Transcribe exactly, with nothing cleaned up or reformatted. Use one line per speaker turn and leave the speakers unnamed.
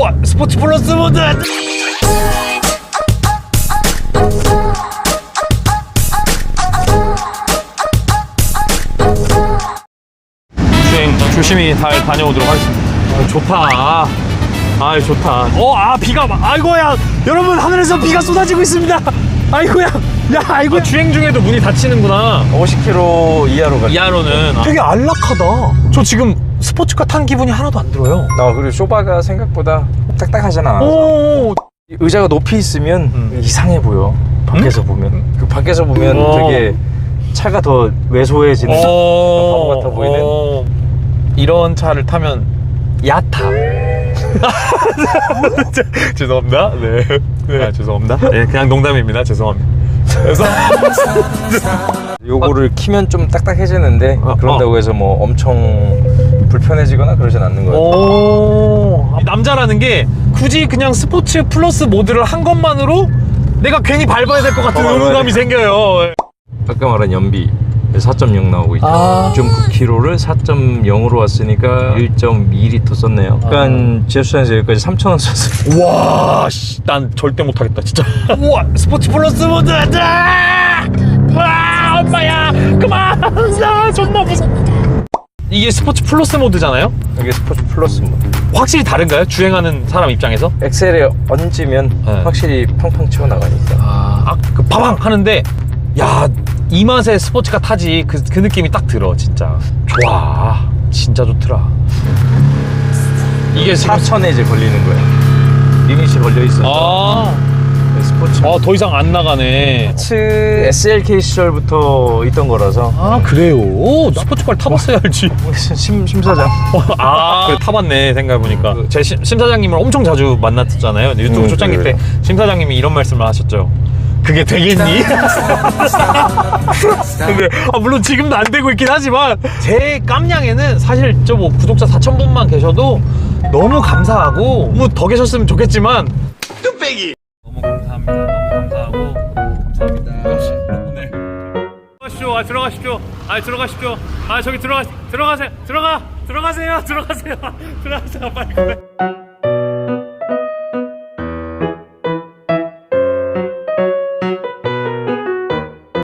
우와 스포츠 플러스 모드. 주행 조심히 잘 다녀오도록 하겠습니다. 아, 좋다. 아 좋다. 어아 비가 막 아이고야 여러분 하늘에서 비가 쏟아지고 있습니다. 아이고야 야 아이고. 주행 중에도 문이 닫히는구나.
오십 킬로미터 이하로 가.
이하로는. 되게 안락하다. 저 지금 스포츠카 탄 기분이 하나도 안 들어요.
아, 그리고 쇼바가 생각보다 딱딱하잖아.
오.
의자가 높이 있으면
음.
이상해 보여. 밖에서
음?
보면. 그 밖에서 보면
오.
되게 차가 더 왜소해지는 바보 같아 보이는.
어. 이런 차를 타면 얕아. 죄송합니다. 네. 네. 아, 죄송합니다. 네, 그냥 농담입니다. 죄송합니다. 그래서
요거를 키면 좀 딱딱해지는데
어,
그런다고 해서 뭐 엄청 불편해지거나 그러진 않는 거예요.
오. 남자라는 게 굳이 그냥 스포츠 플러스 모드를 한 것만으로 내가 괜히 밟아야 될 것 같은
어,
의무감이 생겨요.
아까 말한 연비 사 점 영 나오고 있죠.
아.
이 점 구 킬로미터를 사 점 영으로 왔으니까 일 점 이 리터 썼네요. 그러니까 지하철에서 여기까지 삼천 원 썼어요.
와, 씨, 난 절대 못하겠다, 진짜. 우와, 스포츠 플러스 모드! 아! 와, 엄마야! 그만! 나 존나 무서워. 이게 스포츠 플러스 모드잖아요?
이게 스포츠 플러스 모드.
확실히 다른가요? 주행하는 사람 입장에서?
엑셀에 얹으면
네.
확실히 팡팡 튀어나가니까.
아, 아, 그 파방 하는데, 야, 이 맛에 스포츠카 타지. 그, 그 느낌이 딱 들어, 진짜. 좋아. 진짜 좋더라. 이게 지금
사천에 이제 걸리는 거야. 리밋이 걸려 있어서.
아,
스포츠.
아, 더 이상 안 나가네.
스포츠 에스엘케이 시절부터 있던 거라서.
아, 그래요? 오, 스포츠카를 타봤어야 알지.
심, 심사장.
아, 그래, 타봤네, 생각해보니까. 제 심, 심사장님을 엄청 자주 만났잖아요. 유튜브
음,
초창기
그래.
때 심사장님이 이런 말씀을 하셨죠. 그게 되겠니? 근데 아, 물론 지금도 안 되고 있긴 하지만 제 깜냥에는 사실 저 뭐 구독자 사천 분만 계셔도 너무 감사하고 너무 더 계셨으면 좋겠지만 뚝배기 너무 감사합니다. 너무 감사하고 감사합니다. 네. 들어가십시오. 아, 들어가십시오. 아, 들어가십시오. 아, 저기 들어가 들어가세요. 들어가 들어가세요. 들어가세요. 들어가세요. 빨리.